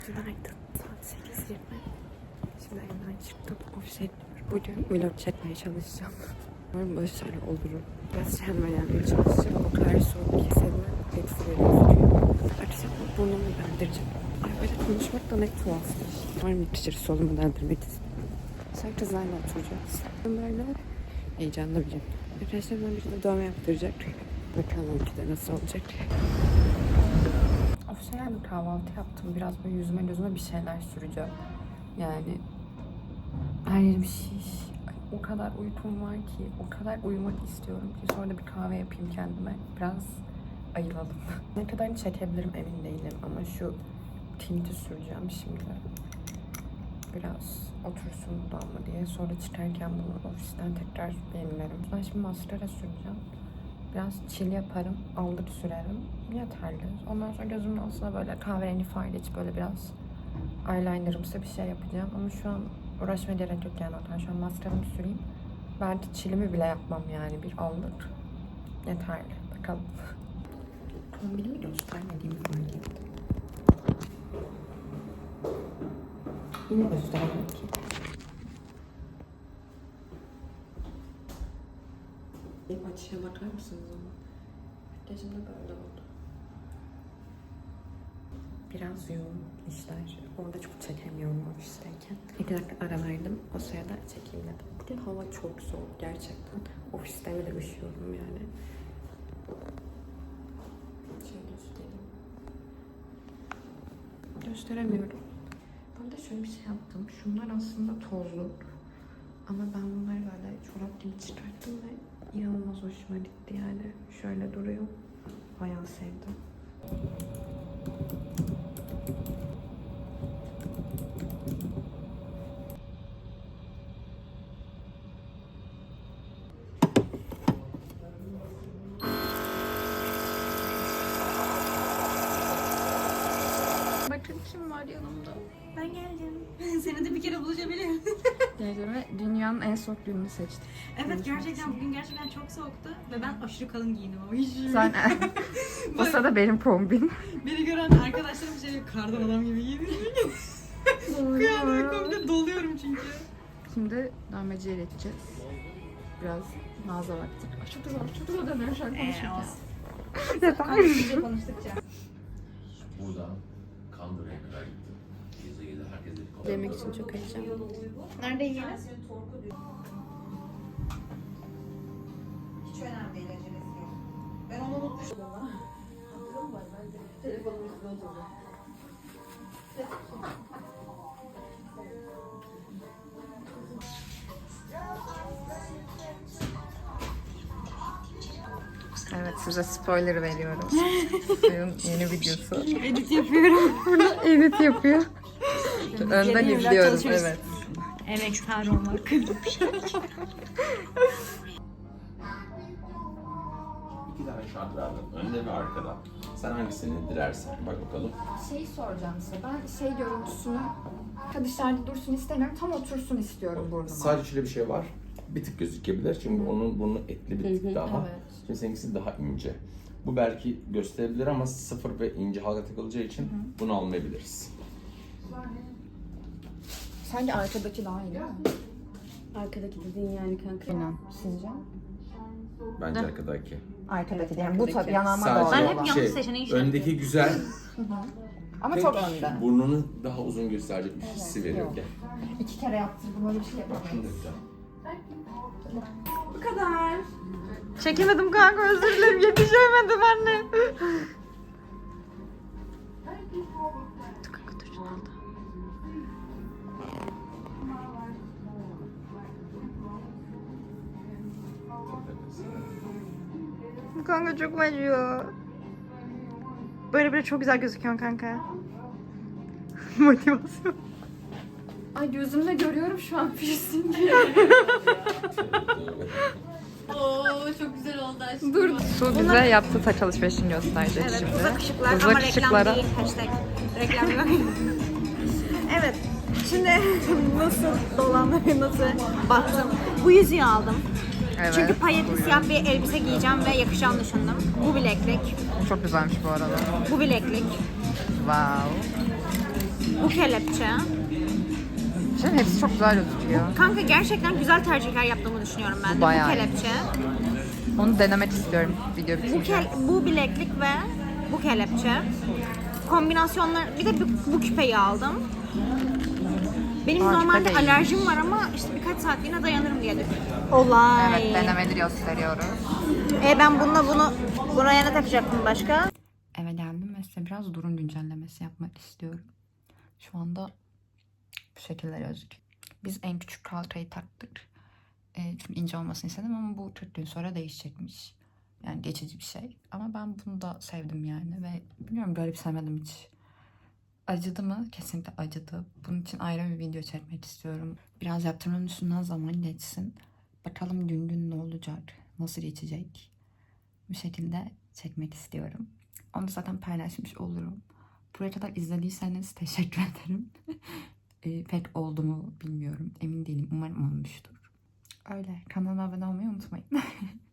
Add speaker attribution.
Speaker 1: Günaydın. Saat 8:20. Şimdi evden çıktım. Ofise gidiyorum. Bugün vlog çekmeye çalışacağım. Umarım başarılı olurum. Biraz kendime gelmeye çalışacağım. O kadar soğuk ki seninle eksi gözüküyor. Akşam burnumu deldireceğim. Ay böyle konuşmak da ne tuhafmış. Umarım yetişir solumu deldirmek istiyorum. Sonra kızlarla oturacağız. Böyle heyecanlı bir gün. Arkadaşlarımdan biri de dövme yaptıracak. Bakalım ki de nasıl olacak. Ofise geldim, kahvaltı yaptım. Biraz böyle yüzüme gözüme bir şeyler süreceğim. Yani her yerim şiş. O kadar uykum var ki, o kadar uyumak istiyorum ki. Sonra da bir kahve yapayım kendime. Biraz ayılalım. Ne kadarını çekebilirim emin değilim ama şu tinti süreceğim şimdi. Biraz otursun dudağıma diye. Sonra çıkarken bunu ofisten tekrar yenilerim. Ben şimdi maskara süreceğim. Biraz çil yaparım, allık sürerim. Yeterli. Ondan sonra gözümün altına böyle kahverengi far geçip böyle biraz eyelinerımsı bir şey yapacağım. Ama şu an uğraşmaya gerek yok yani. Şu an maskaramı süreyim. Belki çilimi bile yapmam yani. Bir allık yeterli. Bakalım. Kombinimi göstermediğimi fark ettim. Yine göstermek ki. Açıya bakar mısınız ama? Makyajım da böyle oldu. Biraz yoğun işler. Orada çok çekemiyorum ofisteyken. 2 dakika ara verdim. O sırada çekeyim dedim. Bugün hava çok soğuk gerçekten. Ofiste bile üşüyorum yani. Şöyle göstereyim. Gösteremiyorum. Burada şöyle bir şey yaptım. Şunlar aslında tozlu. Ama ben bunları böyle çorap gibi çıkarttım ve İnanılmaz hoşuma gitti yani. Şöyle duruyor. Bayağı sevdim. Bakın kim var yanımda.
Speaker 2: Ben geldim. Seni de bir kere buluşabilirim.
Speaker 1: Ve dünyanın en soğuk gününü seçtim.
Speaker 2: Evet gerçekten bugün gerçekten çok soğuktu ve ben aşırı kalın giyindim ama hiç.
Speaker 1: Sen o sırada benim kombin.
Speaker 2: Beni gören arkadaşlarım şey kardan adam gibi giyindim. Kıyamıyorum komple doluyorum çünkü.
Speaker 1: Şimdi dövmeciye geçeceğiz. Biraz mağaza baktık. Ay çok güzel, çok güzel dönüyor şu an konuşurken.
Speaker 2: Konuştukça.
Speaker 3: Buradan Kandıra'ya kadar gittim. Geze herkese bir kolay.
Speaker 1: Yemek için çok heyecanlıyım.
Speaker 2: Nerede yiyelim? Hiç önemli değil acelesi yok. Ben onu unutmuşum ama. Hatırım var bence. Telefonumun üstüne oturdu.
Speaker 1: Evet, size spoiler veriyorum. Suyun yeni videosu.
Speaker 2: Edit yapıyorum.
Speaker 1: Edit yapıyor. Önden izliyoruz, evet.
Speaker 2: Emektar olmak.
Speaker 3: 2 tane şart verdim. Önde ve arkada. Sen hangisini dilersen. Bak bakalım.
Speaker 1: Şey soracağım size. Ben şey görüntüsünü dışarıda dursun istemiyorum. Tam otursun istiyorum burnuma.
Speaker 3: Sadece şöyle bir şey var. Bir tık gözükebilir. Çünkü onun burnu etli bir tık daha.
Speaker 1: Evet.
Speaker 3: Şimdi seninkisi daha ince. Bu belki gösterebilir ama sıfır ve ince halka takılacağı için bunu almayabiliriz.
Speaker 1: Sanki arkadaki daha iyi değil mi?
Speaker 2: Arkadaki dediğin yani kanka.
Speaker 1: Aynen. Sizce?
Speaker 3: Bence arkadaki.
Speaker 1: Arkadaki yani bu tabii yanağıma doğru
Speaker 3: Sadece
Speaker 2: Ben hep yanlış seçeneği şey
Speaker 3: öndeki güzel.
Speaker 1: ama
Speaker 3: Tek
Speaker 1: çok önde.
Speaker 3: burnunu daha uzun gösterecek bir hissi veriyor.
Speaker 1: yok.
Speaker 3: Gel.
Speaker 1: 2 kere yaptırdım, öyle bir şey yapamayız.
Speaker 3: Şunu da güzel.
Speaker 2: Bu kadar.
Speaker 1: Çekemedim kanka, özür dilerim, yetişemedim anne. Dur kanka, dur şunu al da. Kanka çok acıyor. Böyle bile çok güzel gözüküyorsun kanka. Motivasyon. Ay gözümde görüyorum şu an piercing.
Speaker 2: Oo çok güzel oldu aşkım.
Speaker 1: Dur. Su bize yaptığı taç alışverişini gösterecek
Speaker 2: Evet,
Speaker 1: şimdi.
Speaker 2: uzak ışıklar
Speaker 1: Uzak
Speaker 2: ama
Speaker 1: ışıklara.
Speaker 2: reklam değil. Hashtag. Reklam yok. Evet. Şimdi nasıl dolanları nasıl baktım. Bu yüzüğü aldım.
Speaker 1: Evet.
Speaker 2: Çünkü payetli siyah bir elbise giyeceğim ve yakışacağını düşündüm. Bu bileklik.
Speaker 1: Çok güzelmiş bu arada.
Speaker 2: Bu bileklik.
Speaker 1: Wow.
Speaker 2: Bu kelepçe.
Speaker 1: Şimdi hepsi çok güzel gözüküyor.
Speaker 2: Kanka gerçekten güzel tercihler yaptığımı düşünüyorum ben de.
Speaker 1: Bayağı
Speaker 2: Bu
Speaker 1: iyi.
Speaker 2: kelepçe.
Speaker 1: Onu denemek istiyorum video bitince.
Speaker 2: Bu bileklik ve bu kelepçe. Kombinasyonlar, bir de bu küpeyi aldım. Benim
Speaker 1: Aa,
Speaker 2: normalde
Speaker 1: küpe de iyiymiş.
Speaker 2: alerjim var ama işte birkaç saatliğine dayanırım diye düşünüyorum. Olay.
Speaker 1: Evet, denemeleri gösteriyoruz.
Speaker 2: Ben bunu buraya ne takacaktım başka?
Speaker 1: Eve geldim ve size biraz durum güncellemesi yapmak istiyorum. Şu anda bu şekilde gözüküyor. Biz en küçük kalçayı taktık. Çünkü ince olmasını istedim ama bu 40 gün sonra değişecekmiş. Yani geçici bir şey. Ama ben bunu da sevdim yani ve bilmiyorum, garipsemedim hiç. Acıdı mı? Kesinlikle acıdı. Bunun için ayrı bir video çekmek istiyorum. Biraz yaptırmanın üstünden zaman geçsin. Bakalım gün ne olacak? Nasıl geçecek? Bu şekilde çekmek istiyorum. Onu da zaten paylaşmış olurum. Buraya kadar izlediyseniz teşekkür ederim. Pek oldu mu bilmiyorum. Emin değilim. Umarım olmuştur. Öyle. Kanalıma abone olmayı unutmayın.